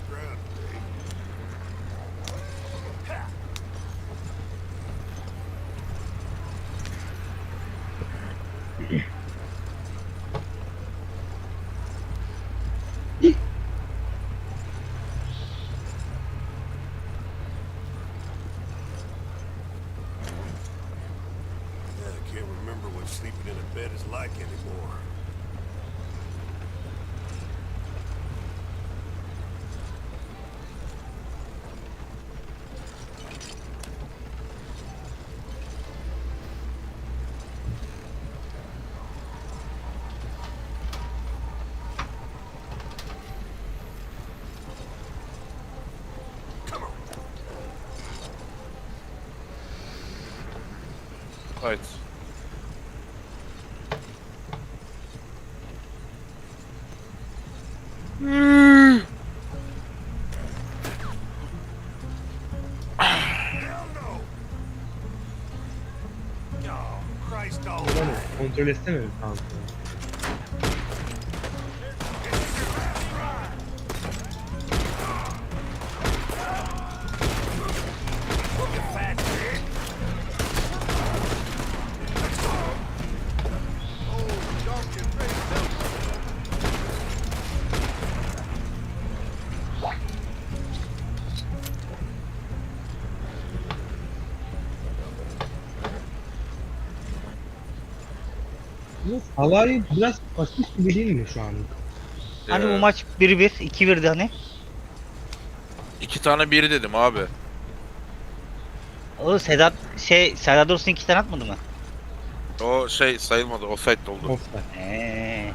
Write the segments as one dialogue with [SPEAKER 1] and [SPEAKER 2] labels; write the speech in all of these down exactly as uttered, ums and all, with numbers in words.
[SPEAKER 1] Sleeping in a bed is like anymore. Come on.
[SPEAKER 2] Right.
[SPEAKER 3] Kontrol etsene mi kanka? Bu Halay biraz pasif gibi değil mi şu an?
[SPEAKER 4] Hani bu
[SPEAKER 2] Ee,
[SPEAKER 4] maç bir bir, iki birdi hani.
[SPEAKER 2] iki tane biri dedim abi.
[SPEAKER 4] O Sedat şey Serdar Dursun iki tane atmadı mı?
[SPEAKER 2] O şey sayılmadı. Offside oldu.
[SPEAKER 3] Offside.
[SPEAKER 4] Eee.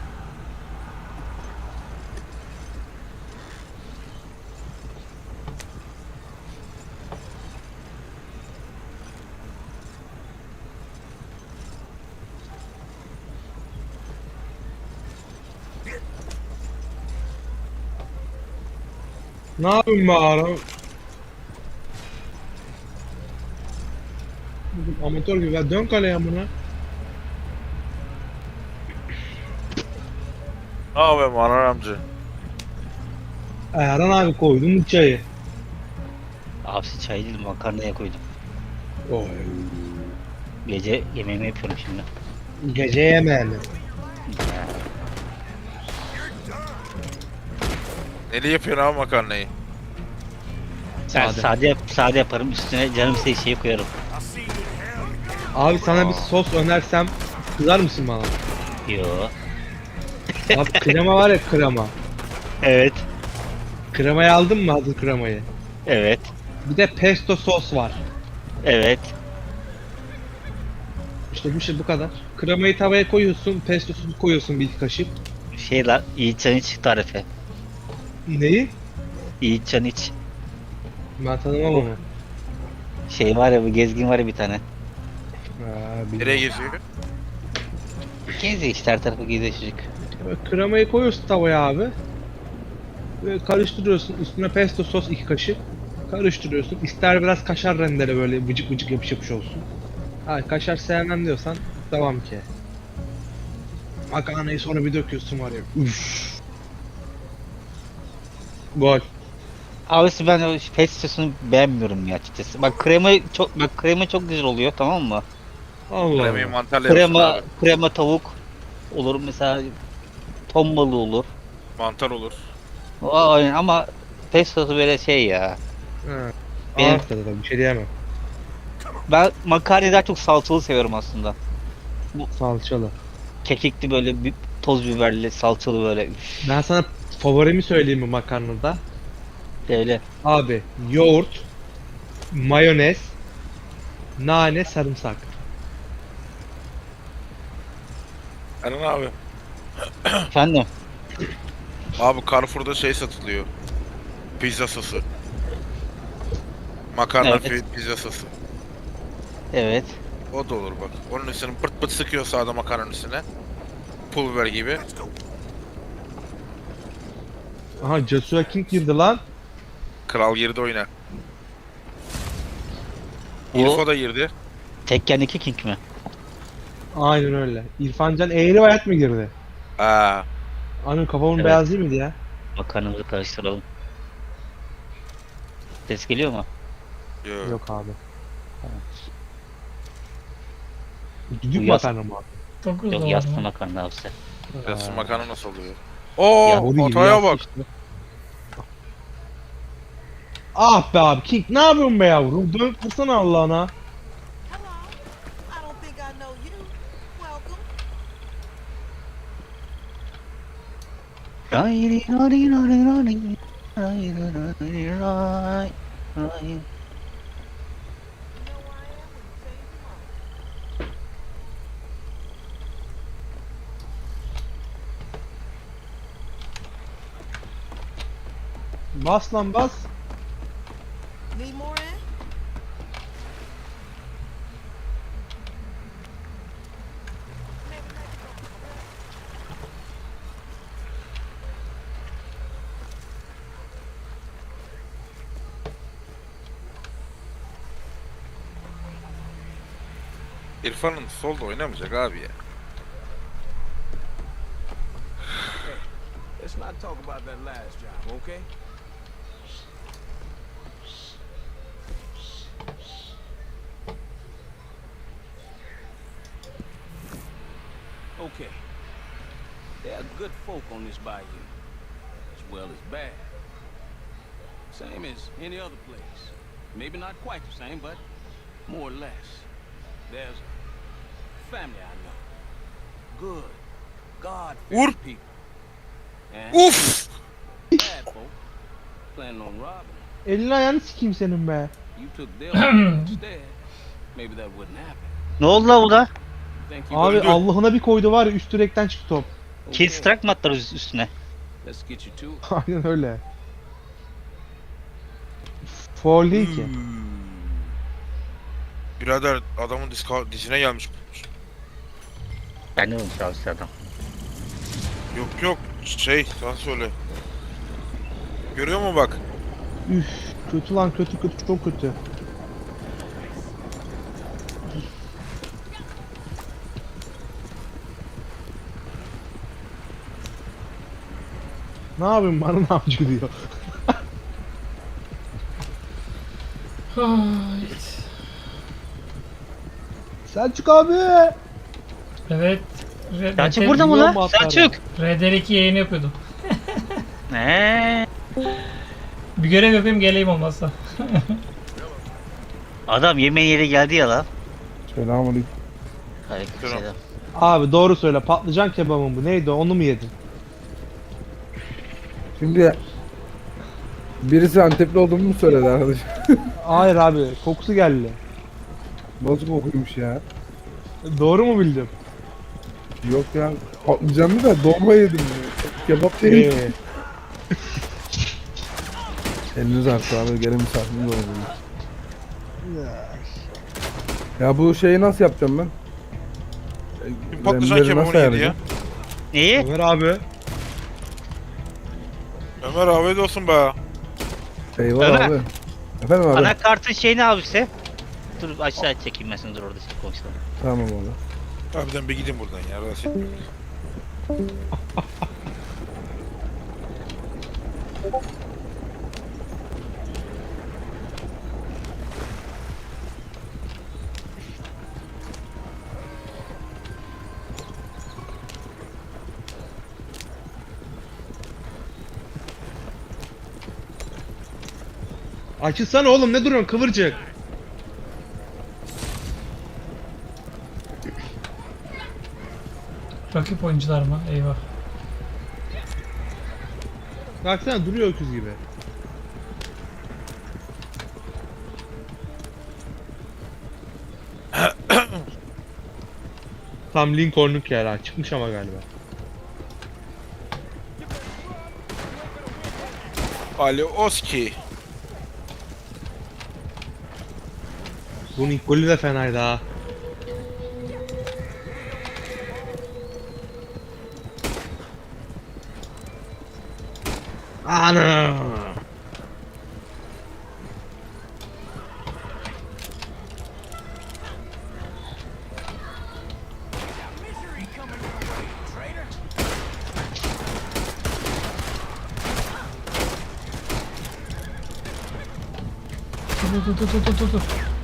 [SPEAKER 3] Ne yapayım be adam? Amatör gibi. Ya dön kaleye amına.
[SPEAKER 2] Ne yapayım Anan amca?
[SPEAKER 3] Erhan abi koydum bu çayı.
[SPEAKER 4] Abisi çay değil makarnaya koydum.
[SPEAKER 3] Oy.
[SPEAKER 4] Gece yemeğimi yapıyorum şimdi.
[SPEAKER 3] Gece yemeğini.
[SPEAKER 2] Neli yapıyorsun abi makarnayı?
[SPEAKER 4] Ben
[SPEAKER 3] Sade.
[SPEAKER 4] sade, yap, sade yaparım üstüne canım istediği şeyi koyarım.
[SPEAKER 3] Abi sana bir
[SPEAKER 2] Aa.
[SPEAKER 3] sos önersem kızar mısın bana?
[SPEAKER 4] Yo.
[SPEAKER 3] Abi krema var ya krema.
[SPEAKER 4] Evet.
[SPEAKER 3] Kremayı aldın mı hazır kremayı?
[SPEAKER 4] Evet.
[SPEAKER 3] Bir de pesto sos var.
[SPEAKER 4] Evet.
[SPEAKER 3] İşte bir şey bu kadar. Kremayı tavaya koyuyorsun, pesto sosu koyuyorsun bir iki kaşık.
[SPEAKER 4] Şey lan Yiğitcan iç tarifi.
[SPEAKER 3] Neyi?
[SPEAKER 4] Yiğitcan iç.
[SPEAKER 3] Ben tanımam onu.
[SPEAKER 4] Şey var ya bu gezgin var ya bir tane.
[SPEAKER 3] Ha,
[SPEAKER 2] Nereye
[SPEAKER 3] bilmiyorum.
[SPEAKER 2] geziyor?
[SPEAKER 4] Geziyor işte her tarafı geziyor çocuk.
[SPEAKER 3] Böyle kremayı koyuyorsun tavaya abi. Böyle karıştırıyorsun. Üstüne pesto sos iki kaşık. Karıştırıyorsun. İster biraz kaşar rendele böyle vıcık vıcık yapış yapış olsun. Ha kaşar sevmem diyorsan devam ki. Makarnayı sonra bir döküyorsun var ya. Üf. Gol.
[SPEAKER 4] Abisi ben o pestosunu beğenmiyorum ya açıkçası. Bak krema çok bak krema çok güzel oluyor tamam mı?
[SPEAKER 3] Allah
[SPEAKER 2] Kremayı
[SPEAKER 3] Allah.
[SPEAKER 2] mantarla yapıyorsun
[SPEAKER 4] Krema
[SPEAKER 2] abi.
[SPEAKER 4] krema tavuk olur mesela ton balığı olur.
[SPEAKER 2] Mantar olur.
[SPEAKER 4] O aynen ama pestosu böyle şey ya.
[SPEAKER 3] Ha.
[SPEAKER 4] Benim-
[SPEAKER 3] Ağır tadı tabii bir şey diyemem.
[SPEAKER 4] Ben makarnayı daha çok salçalı seviyorum aslında.
[SPEAKER 3] Salçalı.
[SPEAKER 4] Kekikli böyle bir toz biberli salçalı böyle. Üf,
[SPEAKER 3] Ben sana favorimi söyleyeyim mi makarnada?
[SPEAKER 4] öyle.
[SPEAKER 3] Abi yoğurt, mayonez, nane, sarımsak.
[SPEAKER 2] Anan abi.
[SPEAKER 4] Efendim.
[SPEAKER 2] Abi Carrefour'da şey satılıyor. Pizza sosu. Makarna
[SPEAKER 4] Evet.
[SPEAKER 2] fi- pizza sosu.
[SPEAKER 4] Evet.
[SPEAKER 2] O da olur bak. Onun üstüne pırt pırt sıkıyor sağda makarnanın üstüne. Pul biber gibi.
[SPEAKER 3] Aha Joshua King girdi lan.
[SPEAKER 2] Kral girdi oyuna.
[SPEAKER 4] O
[SPEAKER 2] İrfo da girdi.
[SPEAKER 4] Tekken iki King mi?
[SPEAKER 3] Aynen öyle. İrfancan Eğri Bayat mı girdi?
[SPEAKER 2] Aa,
[SPEAKER 3] Anın kafamın
[SPEAKER 4] Evet.
[SPEAKER 3] beyaz değil miydi ya?
[SPEAKER 4] Makarnamızı karıştıralım. Ses geliyor mu?
[SPEAKER 2] Yok.
[SPEAKER 3] Yok abi. Düdük
[SPEAKER 4] Bu yaz-
[SPEAKER 3] makarna mı abi?
[SPEAKER 5] dokuz
[SPEAKER 4] Yok
[SPEAKER 5] dolar
[SPEAKER 4] yassı
[SPEAKER 5] mı?
[SPEAKER 4] makarna abisi.
[SPEAKER 2] Yassı
[SPEAKER 3] Ha.
[SPEAKER 2] makarna nasıl oluyor? Oo,
[SPEAKER 4] Ya,
[SPEAKER 3] Boru gibi
[SPEAKER 2] hataya
[SPEAKER 3] yassı
[SPEAKER 2] bak.
[SPEAKER 3] işte. Ah be abi King ne yapıyorsun be yavrum? Dön vursana Allah'ına.
[SPEAKER 6] Hello. I don't think I know you. Welcome. You know where I am when you change your mind.
[SPEAKER 3] Bas lan bas.
[SPEAKER 6] Need more in?
[SPEAKER 2] İrfan'ın solda oynamayacak abi ya.
[SPEAKER 7] Let's not talk about that last job, okay? Okay. There are good folk on this bayou, as well as bad. Same as any other place. Maybe not quite the same, but more or less. There's a family I know. Good, God-fearing
[SPEAKER 2] Vur.
[SPEAKER 7] people. And
[SPEAKER 2] Uf!
[SPEAKER 7] bad folk planning on robbing them.
[SPEAKER 3] Elini ayağını sikeyim senin be.
[SPEAKER 7] You took their money instead. Maybe that wouldn't happen.
[SPEAKER 4] Ne oldu la burada?
[SPEAKER 7] Think you
[SPEAKER 3] Abi
[SPEAKER 2] öldü.
[SPEAKER 3] Allah'ına bir koydu var ya üst direkten çıktı top.
[SPEAKER 4] Kill strike mı attılar üst- üstüne?
[SPEAKER 7] Let's get you to it.
[SPEAKER 3] Aynen öyle. Foul değil ki.
[SPEAKER 2] Birader adamın diska, dizine gelmiş.
[SPEAKER 4] Ben de olmuş abi adam.
[SPEAKER 2] Yok yok şey sen söyle. Görüyor mu bak?
[SPEAKER 3] Üf, kötü lan kötü kötü çok kötü. Ne yapayım bana ne yapıcı diyor.
[SPEAKER 5] Hayt.
[SPEAKER 3] Selçuk abi.
[SPEAKER 5] Evet. Red,
[SPEAKER 4] Selçuk
[SPEAKER 5] Red-
[SPEAKER 4] burada mı
[SPEAKER 3] Biliyor mu
[SPEAKER 4] la?
[SPEAKER 3] atları?
[SPEAKER 4] Selçuk!
[SPEAKER 5] Red Dead iki yayını yapıyordum.
[SPEAKER 4] Eee?
[SPEAKER 5] Bir görev yapayım geleyim olmazsa.
[SPEAKER 4] Adam yemeğin yeri geldi ya la.
[SPEAKER 8] Selamünaleyküm.
[SPEAKER 4] Aleykümselam.
[SPEAKER 3] Abi doğru söyle patlıcan kebabı mı bu neydi onu mu yedin?
[SPEAKER 8] Şimdi birisi Antepli olduğumu mu söyledi arkadaş?
[SPEAKER 3] Hayır abi kokusu geldi.
[SPEAKER 8] Nasıl kokuymuş ya?
[SPEAKER 3] Doğru mu bildim?
[SPEAKER 8] Yok ya. Patlıcanlı da dolma yedim ya. Kebap değil.
[SPEAKER 3] Ee,
[SPEAKER 8] Eliniz arttı abi. Gelin misafirimiz oldu. Ya bu şeyi nasıl yapacağım ben?
[SPEAKER 2] Bir patlıcan
[SPEAKER 8] Remleri
[SPEAKER 2] kebabını
[SPEAKER 8] nasıl
[SPEAKER 2] yedi ya.
[SPEAKER 8] ayarlayacağım?
[SPEAKER 4] Neyi?
[SPEAKER 3] Ömer abi.
[SPEAKER 2] Ömer afiyet olsun be.
[SPEAKER 8] Eyvallah
[SPEAKER 4] Ömer.
[SPEAKER 8] abi. Efendim abi.
[SPEAKER 4] Anakartın şeyini abisi. Dur aşağı çekeyim ben seni dur orada şey konuşalım.
[SPEAKER 8] Tamam abi.
[SPEAKER 2] Abiden bir gidin buradan ya. Rahatsız etmeyin.
[SPEAKER 3] Açılsana oğlum ne duruyorsun kıvırcık.
[SPEAKER 5] Rakip oyuncular mı? Eyvah.
[SPEAKER 3] Baksana duruyor öküz gibi. Tam Lincoln'luk yer ha çıkmış ama galiba.
[SPEAKER 2] Ali Oski.
[SPEAKER 3] Bunun ilk golü de fenaydı ha. Ana!
[SPEAKER 5] dur dur dur dur dur dur.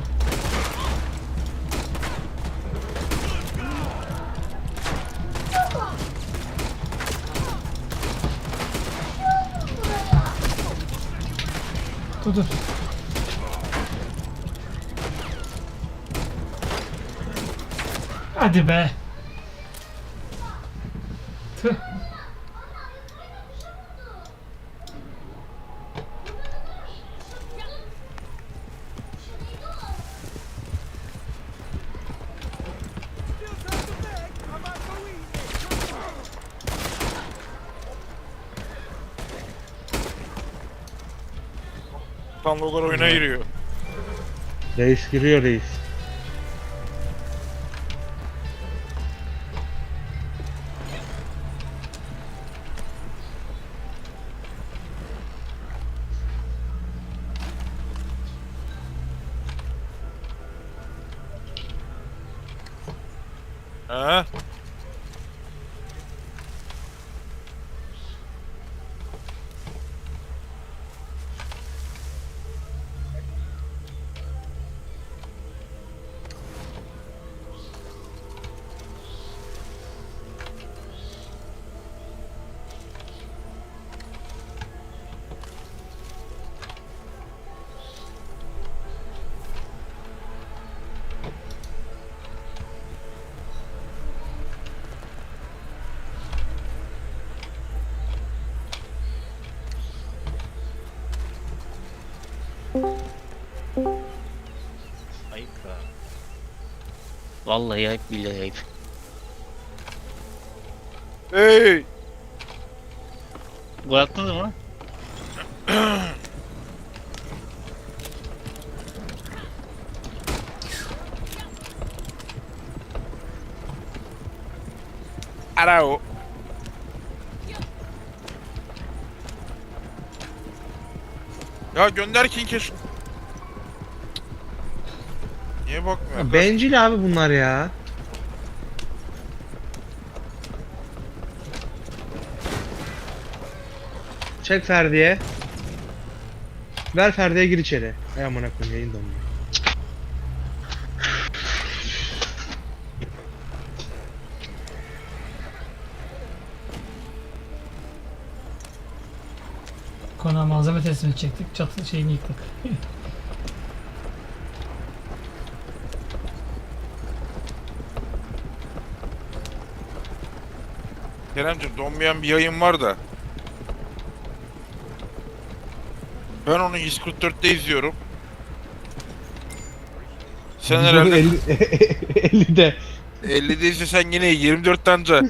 [SPEAKER 5] Dur dur. Hadi be. Tüh.
[SPEAKER 2] Tanrılar oyuna giriyor.
[SPEAKER 3] Reis giriyor reis.
[SPEAKER 2] Ha?
[SPEAKER 4] Ayıp ya. Vallahi ayıp, billahi ayıp.
[SPEAKER 2] Hey!
[SPEAKER 4] Gol attınız mı?
[SPEAKER 2] Arao. Ya gönder King'e. Niye bakmıyor?
[SPEAKER 3] Bencil abi bunlar ya. Çek Ferdi'ye. Ver Ferdi'ye, gir içeri. Ay amına koyayım, yayın donuyor.
[SPEAKER 5] Konağa malzeme teslim edecektik. Çatı şeyini yıktık.
[SPEAKER 2] Keremciğim donmayan bir yayın var da. Ben onu yüz kırk dörtte izliyorum. Sen herhalde
[SPEAKER 3] ellide.
[SPEAKER 2] ellide izlesen yine yirmi dörtten anca.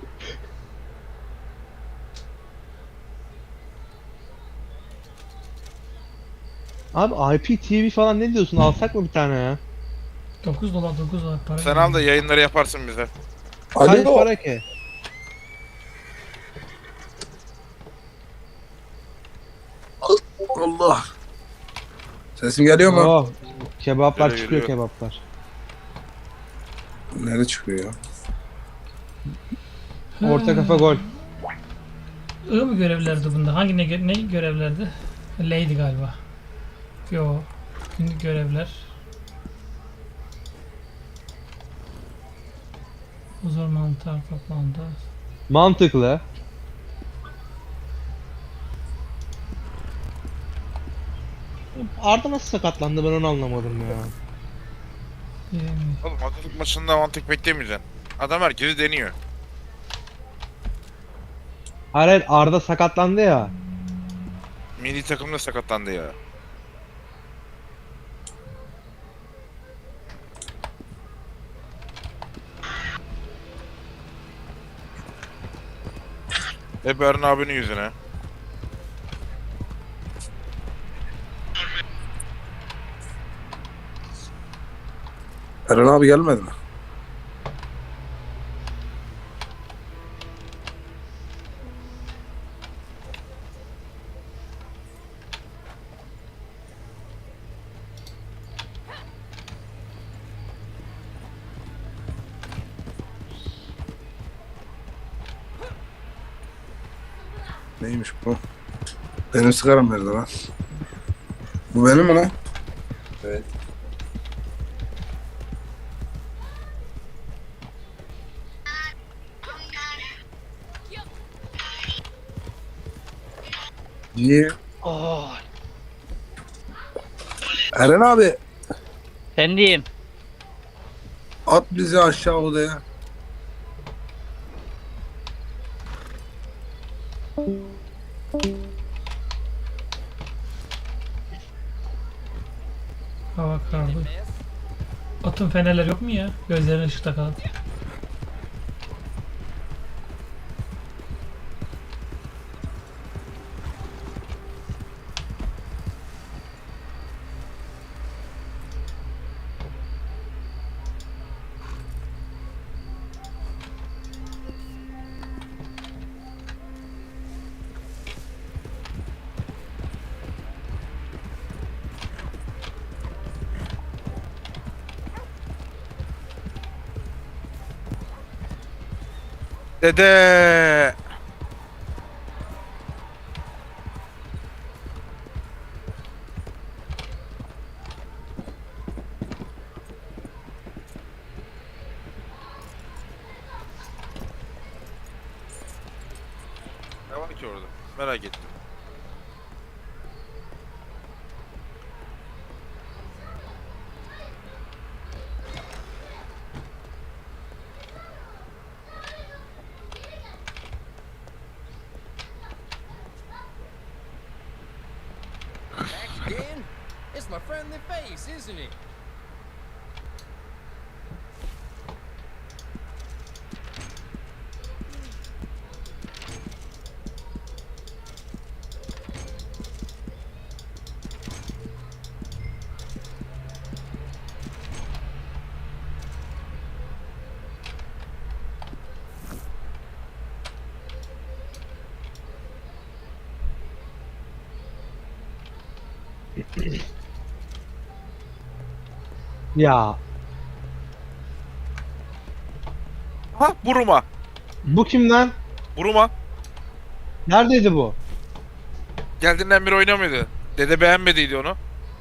[SPEAKER 3] Abi I P T V falan ne diyorsun? Alsak mı bir tane ya?
[SPEAKER 5] dokuz dolar dokuz dolar para.
[SPEAKER 2] Sen al da yayınları yaparsın bize.
[SPEAKER 3] Kaç
[SPEAKER 8] Alo.
[SPEAKER 3] para ki?
[SPEAKER 8] Allah. Sesim geliyor mu?
[SPEAKER 3] Oh, kebaplar
[SPEAKER 2] Geliyor,
[SPEAKER 3] çıkıyor,
[SPEAKER 2] geliyor.
[SPEAKER 3] kebaplar.
[SPEAKER 8] Nerede çıkıyor ya?
[SPEAKER 3] Orta kafa gol.
[SPEAKER 5] I mı görevlerdi bunda? Hangi ne, gö- ne görevlerdi? Lady galiba. Yo. Günlük görevler. Huzur mantar toplandı.
[SPEAKER 3] Mantıklı. Arda nasıl sakatlandı, ben onu anlamadım ya.
[SPEAKER 5] Bilemiyorum.
[SPEAKER 2] Oğlum Atatürk maçında mantık beklemeyeceksin. Adam herkesi deniyor.
[SPEAKER 3] Hayır hayır, Arda sakatlandı ya.
[SPEAKER 2] Milli takımda sakatlandı ya. Hep Eren abinin yüzüne.
[SPEAKER 8] Eren abi gelmedi mi? Neymiş bu? Benim sigaram nerede lan? Bu benim mi lan? Evet. İyi.
[SPEAKER 4] Oh.
[SPEAKER 8] Eren abi
[SPEAKER 4] Sen diyeyim.
[SPEAKER 8] at bizi aşağı odaya.
[SPEAKER 5] Hava karardı. Atın fenerler yok mu ya? Gözlerine ışık takalım.
[SPEAKER 2] Dede. Ne var ki orada? Merak ettim.
[SPEAKER 9] Dan, it's my friendly face, isn't it?
[SPEAKER 3] Ya
[SPEAKER 2] Ha, Buruma.
[SPEAKER 3] bu kim lan?
[SPEAKER 2] Buruma.
[SPEAKER 3] Neredeydi bu?
[SPEAKER 2] Geldiğinden beri oynamıyordu. Dede beğenmediydi onu.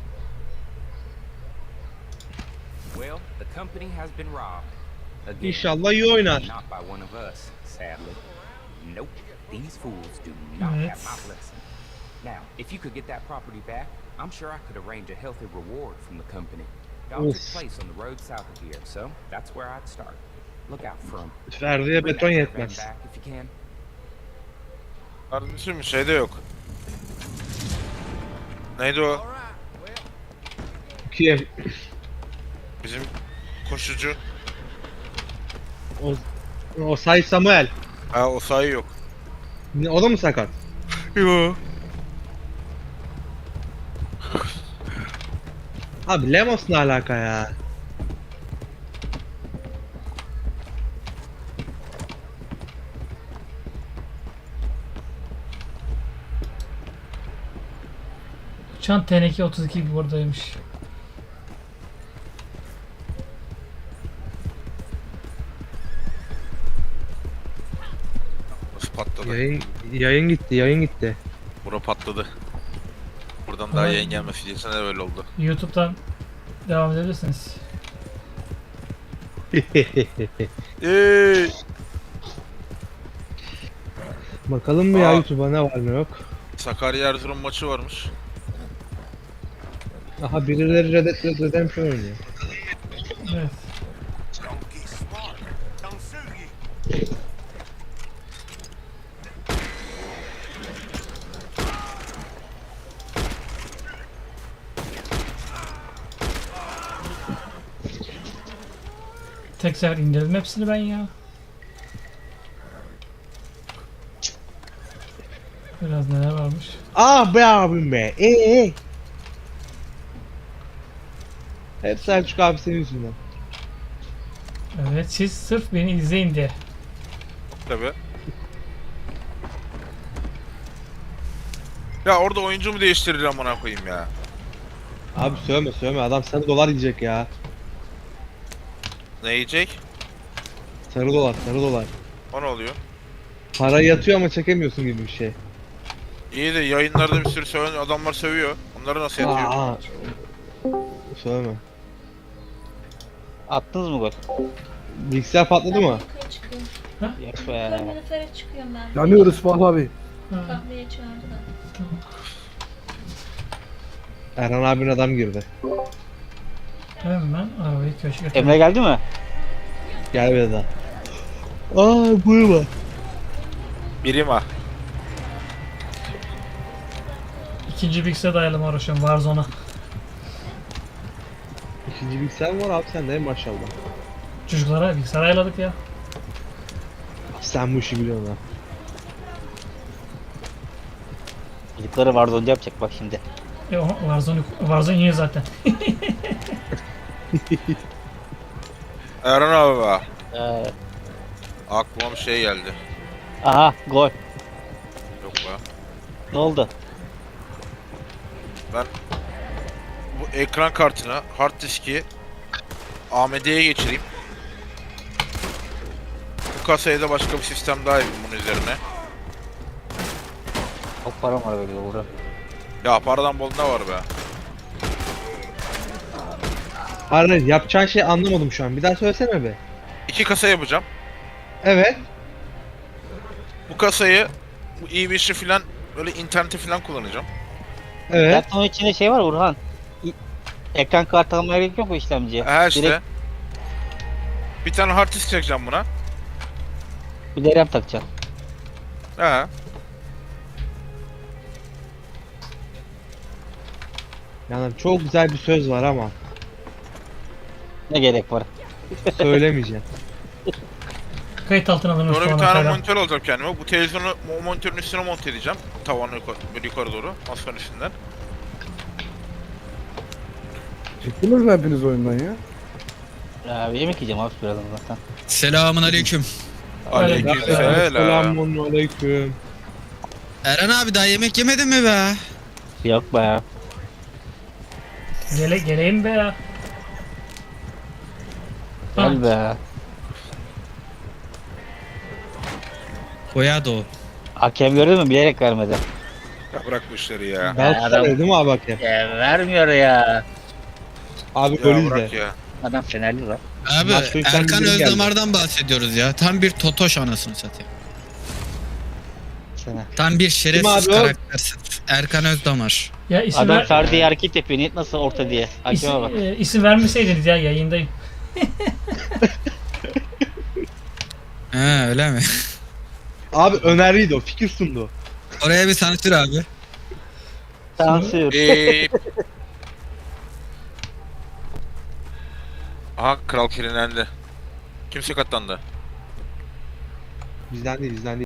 [SPEAKER 9] Well, the company has been robbed. Again.
[SPEAKER 3] İnşallah iyi oynar.
[SPEAKER 9] Not by one of us, sadly. Nope. These fools do not have
[SPEAKER 5] Evet.
[SPEAKER 9] my blessing. Now, if you could get that property back, I'm sure I could arrange a healthy reward from the company. Y'all took
[SPEAKER 3] Of.
[SPEAKER 9] place on the road south of here, so that's where I'd start. Look out for 'em.
[SPEAKER 3] Ferdi'ye
[SPEAKER 9] Bring
[SPEAKER 3] beton
[SPEAKER 9] that caravan
[SPEAKER 3] yetmez.
[SPEAKER 9] back if you can.
[SPEAKER 2] Kardeşim şeyde yok. Neydi o?
[SPEAKER 3] Kim?
[SPEAKER 2] Bizim koşucu.
[SPEAKER 3] O, o Say Samuel.
[SPEAKER 2] Ha, o sayı yok.
[SPEAKER 3] Ne, o da mı sakat?
[SPEAKER 2] Yo.
[SPEAKER 3] Abi Lemos ne alaka ya?
[SPEAKER 5] Uçan teneke otuz iki buradaymış.
[SPEAKER 2] Nasıl patladı?
[SPEAKER 3] Yayın, yayın gitti, yayın gitti.
[SPEAKER 2] Bura patladı. Buradan daha
[SPEAKER 5] Ama-
[SPEAKER 2] yayın gelmesi diyesene öyle oldu.
[SPEAKER 5] YouTube'dan devam edebilirsiniz.
[SPEAKER 2] Eee.
[SPEAKER 3] Bakalım mı ya
[SPEAKER 2] Aa.
[SPEAKER 3] YouTube'a ne var ne yok.
[SPEAKER 2] Sakarya Erzurum maçı varmış.
[SPEAKER 3] Aha birileri Red Dead Redemption oynuyor.
[SPEAKER 5] Evet.
[SPEAKER 1] Don't get smart. Don't shoot you.
[SPEAKER 5] Tek sefer indirdim hepsini ben ya. Biraz neler varmış.
[SPEAKER 3] Ah be abim be. Ee. Hep Selçuk abi senin yüzünden.
[SPEAKER 5] Evet, siz sırf beni izleyin diye.
[SPEAKER 2] Tabi. Ya orada oyuncu mu değiştirir amına koyayım ya?
[SPEAKER 3] Abi söyleme söyleme adam sarı dolar yiyecek ya.
[SPEAKER 2] Ne yiyecek?
[SPEAKER 3] Sarı dolar sarı dolar.
[SPEAKER 2] O ne oluyor?
[SPEAKER 3] Para yatıyor ama çekemiyorsun gibi bir şey.
[SPEAKER 2] İyi de yayınlarda bir sürü söven adamlar sövüyor. Onları nasıl yatıyor?
[SPEAKER 3] Aa, söyleme.
[SPEAKER 4] Attınız mı gol?
[SPEAKER 3] Bilgisayar patladı mı?
[SPEAKER 10] Yukarı çıkıyorum.
[SPEAKER 4] Yok be.
[SPEAKER 10] Kalorifere çıkıyorum ben.
[SPEAKER 8] Yanıyoruz Fuat abi.
[SPEAKER 5] Ha.
[SPEAKER 10] Kahveye çağırdı da.
[SPEAKER 3] Erhan abinin adam girdi.
[SPEAKER 5] Hemen arabayı köşke götürdüm.
[SPEAKER 4] Emre geldi mi?
[SPEAKER 3] Gel bir daha. Aa buyurma.
[SPEAKER 2] Birim ha.
[SPEAKER 5] İkinci bilgisayara dayalı mı uğraşıyorum Warzone'a.
[SPEAKER 3] İkinci bilgisayar mı var abi sende maşallah.
[SPEAKER 5] Çocuklara bilgisayar ayarladık ya.
[SPEAKER 3] Sen bu işi biliyorsun ha.
[SPEAKER 4] Çocukları Warzone yapacak bak şimdi.
[SPEAKER 5] E o Warzone, Warzone iyi zaten.
[SPEAKER 2] Erhan abi be.
[SPEAKER 4] Ee,
[SPEAKER 2] Aklıma bir şey geldi.
[SPEAKER 4] aha gol.
[SPEAKER 2] Yok be.
[SPEAKER 4] Ne oldu?
[SPEAKER 2] Bu ekran kartını, hard diski A M D'ye geçireyim. Bu kasaya da başka bir sistem daha yapayım bunun üzerine.
[SPEAKER 4] Çok param var böyle burada.
[SPEAKER 2] Ya paradan bol ne var be?
[SPEAKER 3] Hayır hayır, yapacağın şeyi anlamadım şu an. Bir daha söylesene be.
[SPEAKER 2] İki kasa yapacağım.
[SPEAKER 3] Evet.
[SPEAKER 2] Bu kasayı bu E beşi filan böyle interneti filan kullanacağım.
[SPEAKER 3] Evet.
[SPEAKER 4] Zaten onun içinde şey var Burhan. İ- Ekran kartı almaya gerek yok bu işlemciye.
[SPEAKER 2] He işte.
[SPEAKER 4] Direkt
[SPEAKER 2] Bir tane hard disk çekeceğim buna.
[SPEAKER 4] bir de RAM takacaksın.
[SPEAKER 2] He.
[SPEAKER 3] Yani çok güzel bir söz var ama
[SPEAKER 4] Ne gerek var?
[SPEAKER 3] söylemeyeceğim.
[SPEAKER 5] Kayıt altına alınmış
[SPEAKER 2] Sonra bir
[SPEAKER 5] sonra
[SPEAKER 2] tane
[SPEAKER 5] kayda.
[SPEAKER 2] monitör alacağım kendime. Bu televizyonu o monitörün üstüne monte edeceğim. Tavanı yukarı, böyle yukarı doğru. Masanın üstünden.
[SPEAKER 8] Çıktınız mı hepiniz oyundan ya?
[SPEAKER 4] Ya bir yemek yiyeceğim abi birazdan zaten.
[SPEAKER 11] Selamun aleyküm.
[SPEAKER 2] Aleykümselam.
[SPEAKER 3] Selamun aleyküm.
[SPEAKER 11] Eren abi daha yemek yemedin mi be?
[SPEAKER 4] Yok be ya.
[SPEAKER 5] Gele, geleyim be ya.
[SPEAKER 4] Gel be.
[SPEAKER 11] Koya da o.
[SPEAKER 4] Hakem gördün mü? Bilerek vermedi.
[SPEAKER 2] Ya bırak bu işleri ya.
[SPEAKER 3] Galatasaray değil mi abi hakem?
[SPEAKER 4] Ya vermiyor ya.
[SPEAKER 3] Abi
[SPEAKER 2] Ya
[SPEAKER 3] gol
[SPEAKER 2] bırak
[SPEAKER 3] izle.
[SPEAKER 2] ya.
[SPEAKER 4] Adam Fenerli lan.
[SPEAKER 11] Abi
[SPEAKER 3] Maç sonuçtan
[SPEAKER 11] Erkan
[SPEAKER 3] biri geldi.
[SPEAKER 11] Özdamar'dan bahsediyoruz ya. Tam bir totoş anasını satayım.
[SPEAKER 4] Sana.
[SPEAKER 11] Tam bir şerefsiz
[SPEAKER 3] Kim abi o?
[SPEAKER 11] karaktersin. Erkan Özdamar.
[SPEAKER 5] Ya isim,
[SPEAKER 4] Adam
[SPEAKER 5] ver,
[SPEAKER 4] Ferdi'ye hareket yapıyor. Niyet nasıl orta diye. Hakeme bak.
[SPEAKER 5] isim, e, isim vermeseydiniz ya yayındayım.
[SPEAKER 11] He öyle mi?
[SPEAKER 3] Abi öneriydi o, fikir sundu.
[SPEAKER 11] Oraya bir sansür abi.
[SPEAKER 4] Sansür.
[SPEAKER 2] Eee... Aha kral kirlendi. Kimse katlandı.
[SPEAKER 3] Bizden değil, bizden değil.